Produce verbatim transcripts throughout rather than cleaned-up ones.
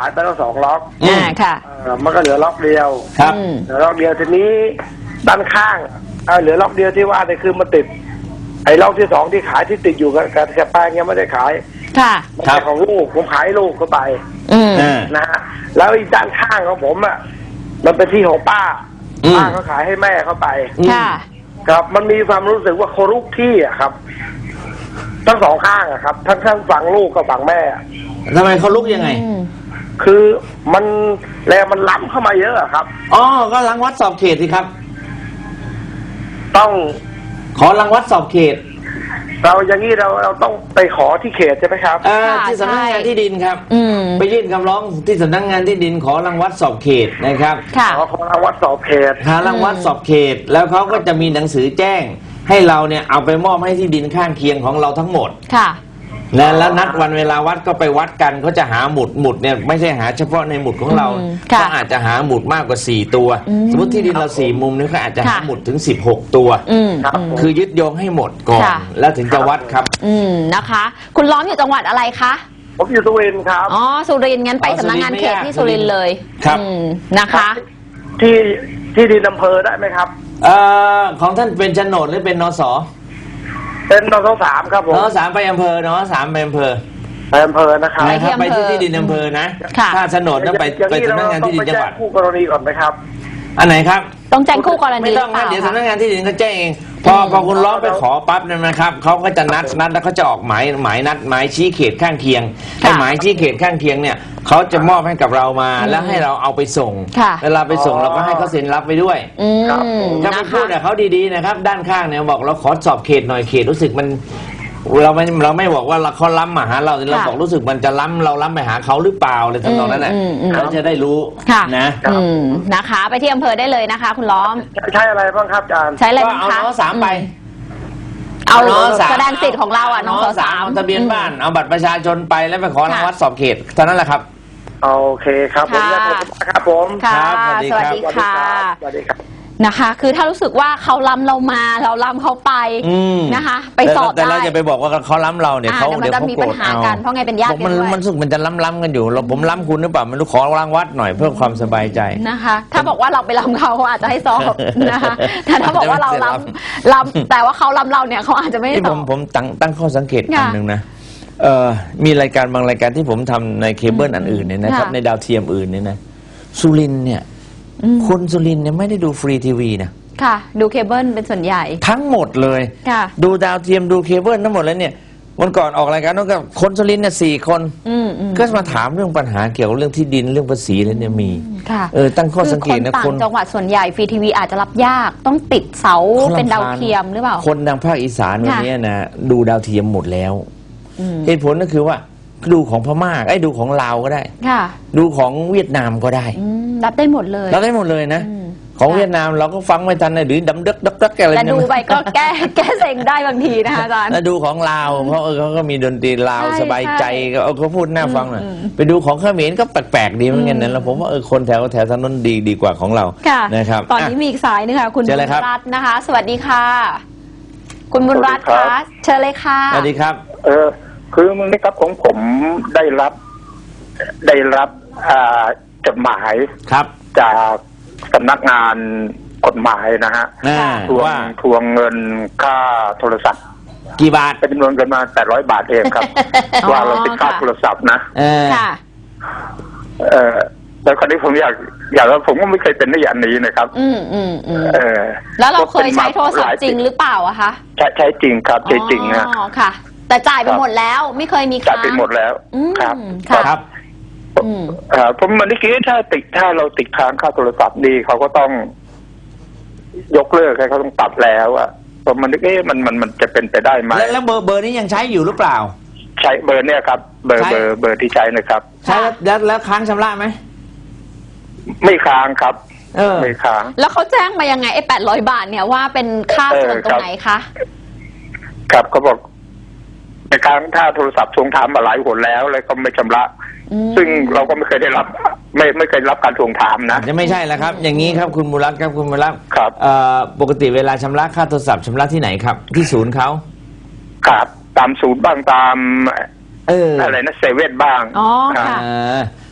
ายไปแล้วสองล็อกอ่าค่ะมันก็เหลือล็อกเดียวครับเหลือล็อกเดียวทีนี้ด้านข้างเหลือล็อกเดียวที่ว่าเนี่ยคือมันติดไอ้ล็อกที่สองที่ขายที่ติดอยู่กับกับแป้งยังไม่ได้ขายค่ะมันเป็นของลูกผมขายลูกเข้าไปนะฮะแล้วอีกด้านข้างของผมอ่ะมันเป็นที่ของป้าป้าเขาขายให้แม่เข้าไปค่ะครับมันมีความรู้สึกว่าเขาลุกที่อ่ะครับทั้งสองข้างอะครับทั้งทั้งฝั่งลูกกับฝั่งแม่ทำไมเขาลุกยังไงคือมันแรงมันล้ำเข้ามาเยอะครับอ๋อก็รังวัดสอบเขตสิครับต้องขอรังวัดสอบเขตเราอย่างนี้เราเราต้องไปขอที่เขตใช่ไหมครับอ่าที่สำนักงานที่ดินครับไปยื่นคำร้องที่สำนักงานที่ดินขอรังวัดสอบเขตนะครับขอขอรังวัดสอบเขตหารังวัดสอบเขตแล้วเขาก็จะมีหนังสือแจ้งให้เราเนี่ยเอาไปมอบให้ที่ดินข้างเคียงของเราทั้งหมดค่ะนะแล้วนัดวันเวลาวัดก็ไปวัดกันเขาจะหาหมุดหมุดเนี่ยไม่ใช่หาเฉพาะในหมุดของเราเขาอาจจะหาหมุดมากกว่าสี่ตัวสมมติที่ดินเราสี่มุมนี่เขาอาจจะหาหมุดถึงสิบหกตัวคือยึดโยงให้หมดก่อนแล้วถึงจะวัดครับอืมนะคะคุณล้อมอยู่จังหวัดอะไรคะผมอยู่สุรินทร์ครับอ๋อสุรินทร์งั้นไปสำนักงานเขตที่สุรินทร์เลยครับนะคะที่ที่ดินอำเภอได้ไหมครับเอ่อของท่านเป็นโฉนดหรือเป็นนส. เป็นนส.สามครับผมนส.สามไปอำเภอนส.สามไปอำเภอไปอำเภอนะครับไปที่ที่ดินอำเภอนะถ้าโฉนดต้องไปไปสำนักงานที่ดินจังหวัดคู่กรณีก่อนไหมครับอันไหนครับต้องแจ้งคู่กรณีไม่ต้องนะเดี๋ยวสำนักงานที่ดินเขาแจ้งเองพอพอคุณร้องไปขอปั๊บเนี่ยนะครับเขาก็จะนัดนัดแล้วเขาจะออกหมายหมายนัดหมายชี้เขตข้างเคียงไอ้หมายชี้เขตข้างเคียงเนี่ยเขาจะมอบให้กับเรามาแล้วให้เราเอาไปส่งเวลาไปส่งเราก็ให้เขาเซ็นรับไปด้วยถ้าไปพูดกับเขาดีๆนะครับด้านข้างเนี่ยบอกเราขอสอบเขตหน่อยเขตรู้สึกมันเราไม่เราไม่บอกว่าเขาล้ำมาหาเราเราบอกรู้สึกมันจะล้ำเราล้ำไปหาเขาหรือเปล่าอะไรทำนองนั้นแหละเขาจะได้รู้นะนะคะไปที่อำเภอได้เลยนะคะคุณล้อมใช้อะไรบ้างครับอาจารย์ใช้อะไรบ้างคะเอาน้อสามไปเอาแสดงสิทธิ์ของเราอ่ะน้องสามทะเบียนบ้านเอาบัตรประชาชนไปแล้วไปขอรังวัดสอบเขตเท่านั้นแหละครับโอเคครับผมครับผมครับสวัสดีค่ะสวัสดีครับนะคะคือถ้ารู้สึกว่าเขาล้ำเรามาเราล้ำเขาไปนะคะไปสอบได้แต่เราจะไปบอกว่าเขาล้ำเราเนี่ยเขาเดี๋ยวเขาโกรธเอาเพราะไงเป็นญาติกันด้วยมันรู้สึกมันจะล้ำๆกันอยู่เราผมล้ำคุณหรือเปล่าไม่รู้ขอรังวัดหน่อยเพื่อความสบายใจนะคะถ้าบอกว่าเราไปล้ำเขาเขาอาจจะให้สอบนะคะแต่ถ้าบอกว่าเราล้ำล้ำแต่ว่าเขาล้ำเราเนี่ยเขาอาจจะไม่สอบผมผมตั้งตั้งข้อสังเกตอันหนึ่งนะเอ่อมีรายการบางรายการที่ผมทำในเคเบิลอันอื่นเนี่ยนะครับในดาวเทียมอื่นเนี่ยนะสุรินทร์เนี่ยคนสุรินทร์เนี่ยไม่ได้ดูฟรีทีวีนะค่ะดูเคเบิลเป็นส่วนใหญ่ทั้งหมดเลยค่ะดูดาวเทียมดูเคเบิลทั้งหมดแล้วเนี่ยวันก่อนออกรายการนู้นก็คนสุรินทร์เนี่ยสี่คนก็มาถามเรื่องปัญหาเกี่ยวกับเรื่องที่ดินเรื่องภาษีอะไรเนี่ยมีเออตั้งข้อสังเกตนะคนจังหวัดส่วนใหญ่ฟรีทีวีอาจจะรับยากต้องติดเสาเป็นดาวเทียมหรือเปล่าคนทางภาคอีสานวันนี้นะดูดาวเทียมหมดแล้วเหตุผลก็คือว่าดูของพม่าไอ้ดูของลาวก็ได้ดูของเวียดนามก็ได้รับได้หมดเลยรับได้หมดเลยนะของเวียดนามเราก็ฟังไม่ทันเลยหรือดำดึกดักดักอะไรแต่ดูไปก็แก้แก้เซ็งได้บางทีนะคะอาจารย์แล้วดูของลาวเพราะเออเขาก็มีดนตรีลาวสบายใจก็เขาพูดน่าฟังหน่อยไปดูของเขมรก็แปลกๆดีเหมือนกันนะแล้วผมว่าเออคนแถวแถวถนนดีดีกว่าของเรานะครับตอนนี้มีอีกสายนึงค่ะคุณบุญรัตน์นะคะสวัสดีค่ะคุณบุญรัตน์คะเชิญเลยค่ะสวัสดีครับเออคือมึงได้ครับของผมได้รับได้รับจดหมายครับจากสำนักงานกฎหมายนะฮะทวงทวงเงินค่าโทรศัพท์กี่บาทเป็นจำนวนเงินมาแปดร้อยบาทเองครับว่าเราติดค่าโทรศัพท์นะค่ะเออแล้วคราวนี้ผมอยากอยากว่าผมก็ไม่เคยเป็นในอย่างนี้นะครับอืมอืมอืมเออแล้วเราเคยใช้โทรศัพท์จริงหรือเปล่าอะคะใช้ใช้จริงครับใช้จริงนะอ๋อค่ะแต่จ่ายไปหมดแล้วไม่เคยมีค้างจ่ายไปหมดแล้วครับครับผมมันได้คิดถ้าติดถ้าเราติดค้างค่าโทรศัพท์ดีเขาก็ต้องยกเลิกให้เขาต้องตัดแล้วอ่ะผมมันนึกเอ๊ะมันมันมันจะเป็นไปได้ไหมแล้วเบอร์เบอร์นี้ยังใช้อยู่หรือเปล่าใช้เบอร์เนี่ยครับเบอร์เบอร์เบอร์ที่ใช้นะครับใช้แล้วแล้วค้างชำระไหมไม่ค้างครับเออไม่ค้างแล้วเขาแจ้งมายังไงไอ้แปดร้อยบาทเนี่ยว่าเป็นค่าส่วนตรงไหนคะครับเขาบอกในครั้งถ้าโทรศัพท์ทวงถามมาหลายหนแล้วเลยก็ไม่ชำระซึ่งเราก็ไม่เคยได้รับไม่ไม่เคยรับการทวงถามนะจะไม่ใช่แล้วครับอย่างนี้ครับคุณบุรัตน์ครับคุณบุรัตน์ครับปกติเวลาชำระค่าโทรศัพท์ชำระที่ไหนครับที่ศูนย์เขาครับตามศูนย์บ้างตามเอออะไรนะเซเว่นบ้างอ๋อค่ะ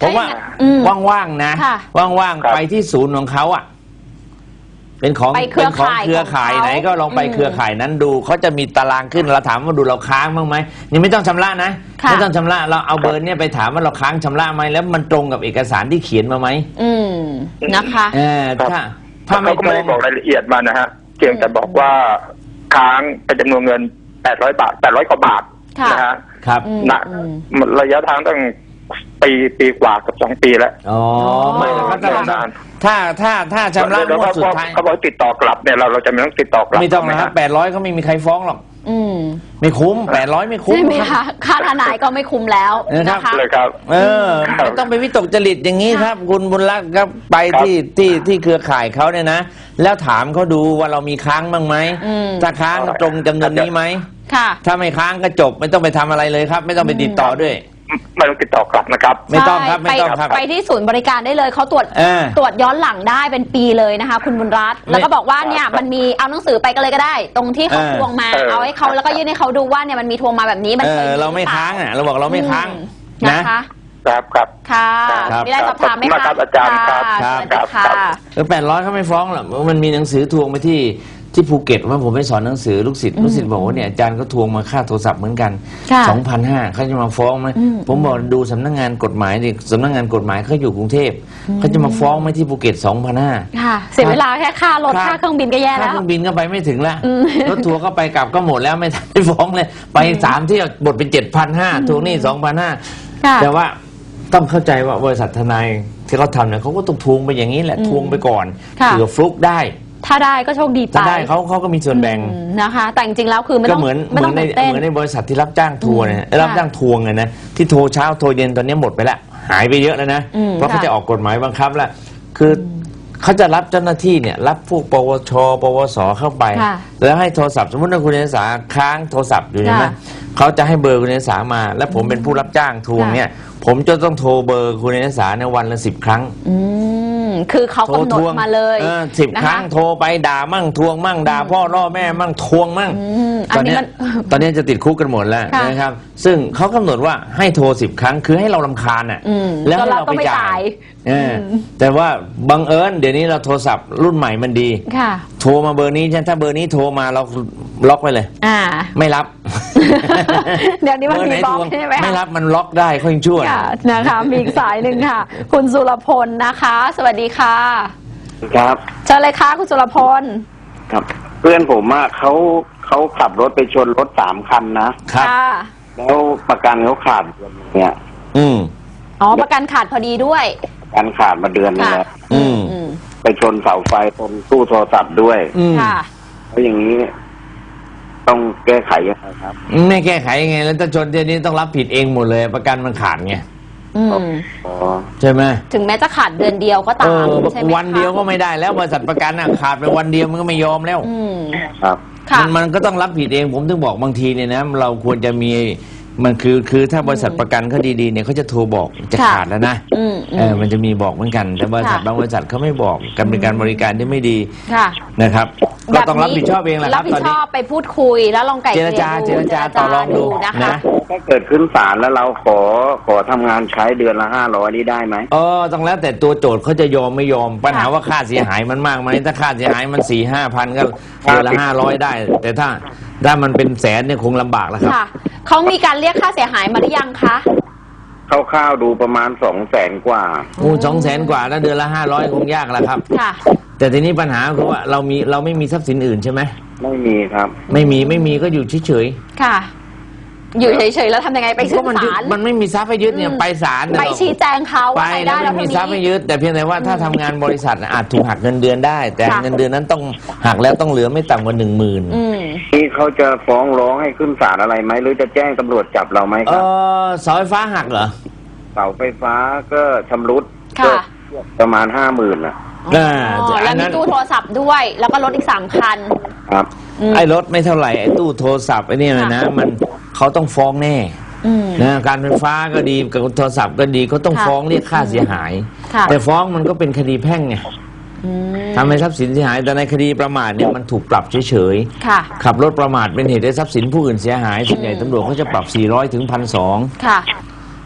ผมว่าอืมว่างๆนะค่ะว่างครับๆไปที่ศูนย์ของเขาอ่ะเป็นของไปเครือเป็นของข่ายเครือข่ายของเขาไหนก็ลองไปอืมเครือข่ายนั้นดูเขาจะมีตารางขึ้นเราถามว่าดูเราค้างบ้างไหมยังไม่ต้องชำระนะค่ะไม่ต้องชำระเราเอาเบอร์เนี่ยไปถามว่าเราค้างชำระไหมแล้วมันตรงกับเอกสารที่เขียนมาไหมอืมนะคะเออครับถ้าถ้าไม่เขาก็ตไม่รได้งบอกรายละเอียดมานะฮะเพียงแต่บอกว่าค้างเป็นจำนวนเงินแปดร้อยบาทแปดร้อยกว่าบาทค่ะนะฮะครับอืมนะอืมระยะทางตั้งปีปีกว่ากับสองปีแล้วอ๋อไม่นะครับถ้าเรานานถ้าถ้าถ้าชำระแล้วงวดเขาสุดท้ายเขาบอกติดต่อกลับเนี่ยเราเราจะไม่ต้องติดต่อกลับไม่ต้องใช่นะหครับแปดร้อยก็ไม่มีใครฟ้องหรอกอืมไม่คุ้มแปดร้อยไม่คุ้มใช่ไหมครัคะบค่าทนายก็ไม่คุ้มแล้วเออครับนะคะเลยครับเออครับไม่ต้องไปวิตกจริตอย่างนี้ครับ คุณบุญรัตน์ครับไปครับที่ที่ที่เครือข่ายเขาเนี่ยนะ แล้วถามเขาดูว่าเรามีค้างบ้างไหมอืมถ้าค้างตรงจำนวนนี้ไหมค่ะถ้าไม่ค้างก็จบไม่ต้องไปทำอะไรเลยครับ ไม่ต้องไปติดต่อด้วยไม่ต้องติดต่อกลับนะครับไม่ต้องครับใช่ไม่ต้องครับไปไปที่ศูนย์บริการได้เลยเขาตรวจเออตรวจย้อนหลังได้เป็นปีเลยนะคะ คุณบุญรัตน์แล้วก็บอกว่าเนี่ยมันมีเอาหนังสือไปก็เลยก็ได้ ตรงที่เขาเออทวงมาเออเอาให้เขาแล้วก็ยื่นให้เขาดูว่าเนี่ยมันมีทวงมาแบบนี้มันเอเคยอมีเราไม่หอปล่ค้างอ่ะเราบอกเราไม่ค้างอืมนะนะคะครับครับค่ะครับมีอะไรสอบถามไหมขอบคุณมากครัคะบอาจารย์ครับค่ะครับสวัสดีค่ะครับเออแปดร้อยเขาไม่ฟ้องหรอกมันมีหนังสือทวงไปที่ที่ภูเก็ตว่าผมไปสอนหนังสือลูกศิษย์อืมลูกศิษย์บอกว่าเนี่ยอาจารย์ก็ทวงมาค่าโทรศัพท์เหมือนกันค่ะสองพันห้าเขาจะมาฟ้องไหมอืมผมบอกดูสำนักงานกฎหมายดิสำนักงานกฎหมายเขาอยู่กรุงเทพเขาจะมาฟ้องไหมที่ภูเก็ตสองพันห้าค่ะ เสียเวลาแค่ค่ารถครับค่าเครื่องบินก็แย่ค่าแล้เคว รื่องบินก็ไปไม่ถึงละอืมรถทัวร์ก็ไปกลับก็หมดแล้วไม่ทันได้ฟ้องเลย ไปสามเที่ยวบทเป็นเจ็ดพันห้าทวงหนี้สองพันห้าค่ะแต่ว่าต้องเข้าใจว่าบริษัททนายที่เขาทำเนี่ยเขาก็ต้องทวงไปอย่างนี้แหละอืมทวงไปก่อนค่ะเผื่อฟลุกได้ถ้าได้ก็โชคดีไปถ้าได้เขาเขาก็มีส่วนแบ่งอืมนะคะ แต่จริงๆแล้วคือไม่ก็ต้องเหมือนไม่เหมืต้ออน งในตื่นเต้นเหมือนในบริษัทที่รับจ้างทัวร์เนี่ยอืมรับจ้างทวงไงนะที่โทรเช้าโทรเย็นตอนนี้หมดไปละหายไปเยอะแล้วนะอืมเพราะเขาค่ะจะออกกฎหมายบังคับแล้วคือเขาจะรับเจ้าหน้าที่เนี่ยรับพวกปวช ปวสเข้าไปค่ะแล้วให้โทรศัพท์สมมติว่าคุณเอกสารค้างโทรศัพท์อยู่ใช่ไหมค่ะเขาจะให้เบอร์คุณเอกสารมา แล้วผมเป็นผู้รับจ้างทวงเนี่ย ผมจะต้องโทรเบอร์คุณเอกสารในวันละสิบครั้งอืมคือเขากำหนดมาเลยสิบนะะครั้งโทรไปด่ามั่งทวงมั่งด่าพ่อล่อแม่มั่งทวงมั่งอืมอัตนอนนี้เนี้ยมันตอนเนี้ยจะติดคุกกันหมดแล้วค่ะนะครับ ซึ่งเขากำหนดว่าให้โทรสิบครั้งคือให้เราลำคาญอ่ะอืมแล้วให้จนเราเราต้องไปไปจ่าจ่าย ยเอออแต่ว่าบังเอิญเดี๋ยวนี้เราโทรศัพท์รุ่นใหม่มันดีค่ะโทรมาเบอร์นี้ใช่ไหมถ้าเบอร์นี้โทรมาเราล็อกไปเลยอ่าไม่รับเดี๋ยวนี้มันเบอร์มีไหนบล็อทกวงใช่ไหมคะไม่รับมันล็อกได้ค่อยชั่วค่ะนะคะมีอีกสายหนึ่งค่ะ คุณสุรพลนะคะ สวัสดีค่ะครับเชิญเลยค่ะคุณสุรพลครับ เพื่อนผมอะเขาเขาขับรถไปชนรถสามคันนะครับค่ะแล้วประกันเขาขาดเนี่ยอืมอ๋อประกันขาดพอดีด้วยประกันขาดมาเดือนนึงค่ะแล้วอืมอืมไปชนเสาไฟตรงตู้โทรศัพท์ด้วยอืมค่ะแล้วอย่างนี้ ต้องแก้ไขยังไงครับไม่แก้ไขยังไงแล้วถ้าชนเดี๋ยวนี้ต้องรับผิดเองหมดเลยประกันมันขาดไงอืมอ๋อใช่ไหมถึงแม้จะขาดเดือนเดียวก็เอตามอใช่ไหมคะวันเดียวก็ไม่ได้แล้วบริษัทประกันอ่ะขาดไปวันเดียวมันก็ไม่ยอมแล้วอืมครับค่ะมันมันก็ต้องรับผิดเองผมถึงบอกบางทีเนี่ยนะเราควรจะมีมันคือคือถ้าบริษัทประกันเขาดีๆเนี่ยเขาจะโทรบอกจะค่ะขาดแล้วนะอืมอืเออมมันจะมีบอกเหมือนกัน แต่บริษัทค่ะบางบริษัทเขาไม่บอกกันเป็นการบริการที่ไม่ดีค่ะนะครับ ก็ต้องรับผิดชอบเองแหละครัรับบ ผิตดอนชนี้อบไปพูดคุยแล้วลองไก่เจรจาเกลี่ยเจรจาต่อรองดูนะคะนะถ้าเกิดขึ้นศาลแล้วเราขอขอทำงานใช้เดือนละห้าร้อยนี่ได้ไหมเออต้องแล้วแต่ตัวโจทย์เขาจะยอมไม่ยอมปัญหาว่าค่าเสียหายมันมากไหมถ้าค่าเสียหายมันสี่ห้าพันก็เดือนละห้าร้อยได้ แต่ถ้าถ้ามันเป็นแสนเนี่ยคงลำบากแล้วครับค่ะเขามีการเรียกค่าเสียหายมาหรือยังคะคร่าวๆดูประมาณสองแสนกว่าโอ้สองแสนกว่าแล้วเดือนละห้าร้อยคงยากแล้วครับค่ะแต่ทีนี้ปัญหาคือว่าเรามีเราไม่มีทรัพย์สินอื่นใช่ไหมไม่มีครับไม่มีไม่มีก็อยู่เฉยค่ะ อยู่เฉยๆแล้วทำยังไงไปๆขึ้ก็นมันยึดศาลมันไม่มีทรัพย์ให้ยึดเนี่ยอืมไปศาลเนี่ยไปชี้แจงเขาไปว่าใครแล้ได้วแล้ไม่วมีทรัพย์ให้ยึดแต่เพียงแต่ว่าถ้าทำงานบริษัทน่ะอาจถูกหักเงินเดือนได้ แต่ค่ะเงินเดือนนั้นต้องหักแล้วต้องเหลือไม่ต่ำกว่าหนึ่งหมื่นอืมนี่เขาจะฟ้องร้องให้ขึ้นศาลอะไรไหมหรือจะแจ้งตำรวจจับเราไหมเอครับอเสาไฟฟ้าหักเหรอเสาไฟฟ้าก็ชำรุดค่ะก็ประมาณห้าหมื่นนะอ่าอ๋ออัแล้วนนั้มีนตู้โทรศัพท์ด้วย แล้วก็รถอีกสามคันครับอืมไอ้รถไม่เท่าไหร่ไอ้ตู้โทรศัพท์ไอ้นี่นะนะมันเขาต้องฟ้องแน่อืมนะการไฟฟ้าก็ดีกับโทรศัพท์ก็ดีเขาต้องค่ะฟ้องเรียกค่าเสียหายค่ะแต่ฟ้องมันก็เป็นคดีแพ่งไงอืมทำให้ทรัพย์สินเสียหายแต่ในคดีประมาทเนี่ยมันถูกปรับเฉยค่ะๆขับรถประมาทเป็นเหตุให้ทรัพย์สินผู้อื่นเสียหายส่วนใหญ่ตำรวจเขาจะปรับสี่ร้อยถึง หนึ่งพันสองร้อยค่ะ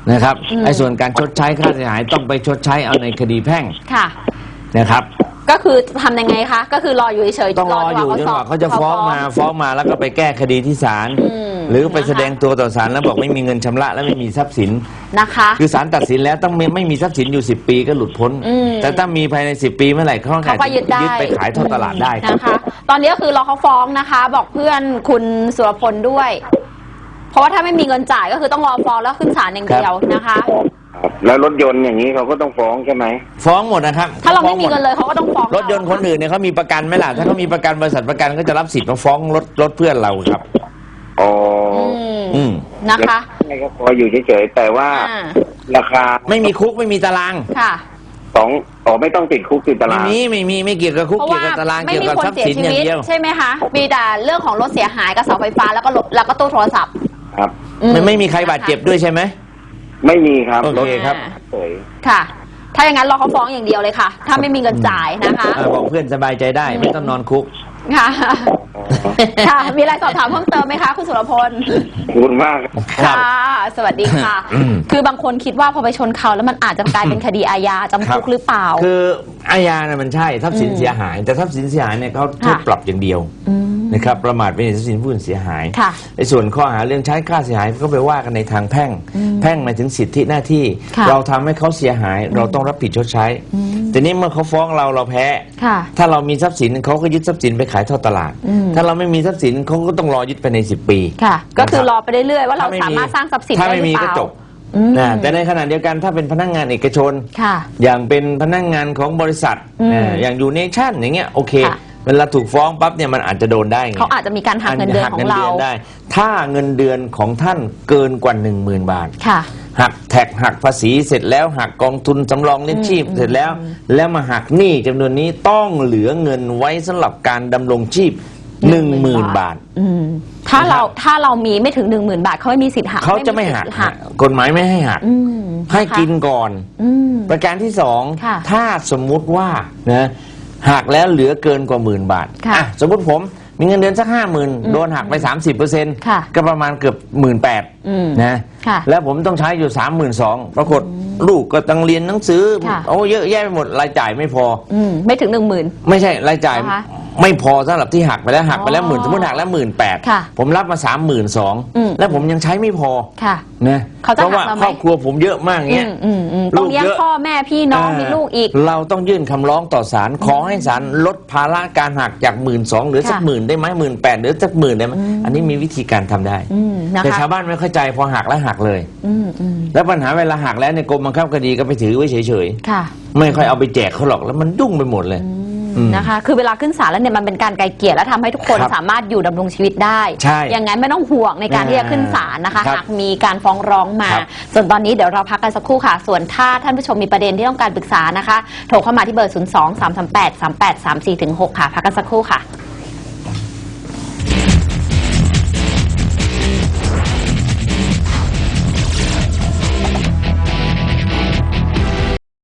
นะครับอืมไอ้ส่วนการชดใช้ค่าเสียหายต้องไปชดใช้เอาในคดีแพ่งค่ะนะครับก็คือทำยังไงคะก็คือรออยู่เฉยๆต้องรออยู่จนกว่าเขาจะฟ้องมาฟ้องมาแล้วก็ไปแก้คดีที่ศาลอืมหรือไปนะคะแสดงตัวต่อศาลแล้วบอกไม่มีเงินชำระและไม่มีทรัพย์สินนะคะคือศาลตัดสินแล้วต้องไม่ไม่มีทรัพย์สินอยู่สิบปีก็หลุดพ้นอืมแต่ถ้ามีภายในสิบปีเมื่อไหร่เขาเขาก็ยึดได้ยึดไปขายทอดตลาดได้ครับนะคะ ตอนนี้ก็คือรอเขาฟ้องนะคะ บอกเพื่อนคุณสุรพลด้วย เพราะว่าถ้าไม่มีเงินจ่ายก็คือต้องรอฟ้องแล้วขึ้นศาลอย่างเดียวนะคะครับแล้วรถยนต์อย่างนี้เขาก็ต้องฟ้องใช่ไหมฟ้องหมดนะครับถ้าเราไม่มีฟ้องหเงินเลยเขาก็ต้องฟ้องรถยนต์คนอื่นเนี่ยเขามีประกันไหมล่ะถ้าเขามีประกันบริษัทประกันก็จะรับสิทธิ์มาฟ้องรถรถเพื่อนเราครับอ๋ออืมอืมนะคะใช่ครับพออยู่เฉยๆแต่ว่าอ่าราคาไม่มีคุกไม่มีตารางค่ะสองอ๋อไม่ต้องติดคุกติดตาไม่รางมีไม่มีไม่เกี่ยวกับคุกเพราะเกี่ยว่าวกับตารางไม่เกี่ยวมีกับคนทรัพย์เสียสินชีอย่าวิงตเดียวใช่ไหมคะ มีแต่เรื่องของรถเสียหายกับเสาไฟฟ้าแล้วก็รถแล้วก็ตู้โทรศัพท์ครับอืมันไม่มีใครบาดเจ็บด้วยใช่ไหมไม่มีครับโอเคครับเฉยค่ะ ถ้าอย่างนั้นรอเขาฟ้องอย่างเดียวเลยค่ะ ถ้าไม่มีเงินจ่ายนะคะเออบอกเพื่อนสบายใจได้ไม่ต้องนอนคุกค่ะอ๋อค่ะ มีอะไรสอบถามเพิ่มเติมไหมคะคุณสุรพลขอบคุณมากครับค่ะ สวัสดีค่ะอืมคือบางคนคิดว่าพอไปชนเขาแล้วมันอาจจะกลายเป็นคดีอาญาจำคุกหรือเปล่าคืออาญาเนี่ยมันใช่ทรัพย์สินอืมเสียหาย แต่ทรัพย์สินเสียหายเนี่ยเขาโทษค่ะปรับอย่างเดียวอืมนะครับประมาทเป็นเหตุทรัพย์สินผู้อื่นเสียหายค่ะในส่วนข้อหาเรื่องใช้ค่าเสียหายก็ไปว่ากันในทางแพ่งอืมแพ่งหมายถึงสิทธิหน้าที่ค่ะเราทำให้เขาเสียหาย เราต้องรับผิดชดใช้อืมแต่นี้เมื่อเขาฟ้องเราเราแพ้ค่ะถ้าเรามีทรัพย์สินเขาก็ยึดทรัพย์สินไปขายทอดตลาดอืมถ้าเราไม่มีทรัพย์สินเขาก็ต้องรอยึดไปในสิบปีค่ะ ก็คือนะครับรอไปเรื่อยๆว่าเราถ้ไม่สามารถสร้างทรัพย์สินถ้าได้ไม่หรืมีอเปก็ล่าจบอืมนะแต่ในขณะเดียวกันถ้าเป็นพนักงานเอกชนค่ะอย่างเป็นพนักงานของบริษัทอืมอ่าอย่างยูเนชั่นอย่างเงี้ยโอเคค่ะเวลาถูกฟ้องปั๊บเนี่ยมันอาจจะโดนได้ไงเขาอาจจะมีการหักเงินเดือนของเราหักงินได้ ถ้าเงินเดือนของท่านเกินกว่าหนึ่งหมื่นบาทค่ะหักแท็กหักภาษีเสร็จแล้วหักกองทุนสำรองเลี้ยงชีพอืมเสร็จแล้ว แล้วมาหักหนี้จำนวนนี้ต้องเหลือเงินไว้สำหรับการดำรงชีพหนึ่งหมื่นบาทอืมถ้าเรานะครับถ้าเรามีไม่ถึงหนึ่งหมื่นบาทเขาไม่มีสิทธิ์หักเขาจะไม่หักสิทธิ์หักกฎหมายไม่ให้หักอืมให้ะคะกินก่อนอืมประการที่สองค่ะถ้าสมมุติว่านะหักแล้วเหลือเกินกว่าหมื่นบาทค่ะอ่ะสมมติผมมีเงินเดือนสักห้าหมื่นโดนหักไปสามสิบเปอร์เซ็นต์ค่ะก็ประมาณเกือบหมื่นแปดอืมนะค่ะแล้วผมต้องใช้อยู่สามหมื่นสองปรากฏลูกก็ต้องเรียนหนังสือค่ะโอ้เยอะแยะไปหมดรายจ่ายไม่พออืมไม่ถึงหนึ่งหมื่นไม่ใช่รายจ่ายนะคะไม่พอสำหรับที่หักไปแล้วหักไปแล้วอ๋อหมื่นสมมติหักแล้วหมื่นแปดค่ะผมรับมาสามหมื่นสองอืมแล้วผมยังใช้ไม่พอค่ะนะเขาจะเพราะว่าหักเราไหมครอบครัวผมเยอะมากเงี้ยอืมอืมอืมต้องเลี้ยงลูกเยอะพ่อแม่พี่น้องมีลูกอีกเราต้องยื่นคำร้องต่อศาลขอให้ศาลลดภาระการหักจากหมื่นสองเหลือสักค่ะหมื่นได้ไหมหมื่นแปดเหลือสักหมื่นได้ไหมอืมอันนี้มีวิธีการทำได้อืมนะแต่คะชาวบ้านไม่เข้าใจพอหักแล้วหักเลยอืมอืมแล้วปัญหาเวลาหักแล้วในยกรมบังคับคดีก็ไปถือไว้เฉยค่ะๆไม่ค่อยเอาไปแจกเขาหรอกแล้วมันยุ่งไปหมดเลย อืมนะคะ คือเวลาขึ้นศาลแล้วเนี่ยมันเป็นการไกลเกลี่ยและทำให้ทุกคนครับสามารถอยู่ดำรงชีวิตได้ใช่อย่างนั้นไม่ต้องห่วงในการอ่าที่จะขึ้นศาลนะคะครับหากมีการฟ้องร้องมาครับส่วนตอนนี้เดี๋ยวเราพักกันสักครู่ค่ะ ส่วนถ้าท่านผู้ชมมีประเด็นที่ต้องการปรึกษานะคะ โทรเข้ามาที่เบอร์ ศูนย์ สอง สาม สาม แปด สาม แปด สาม สี่ หก ค่ะ พักกันสักครู่ค่ะ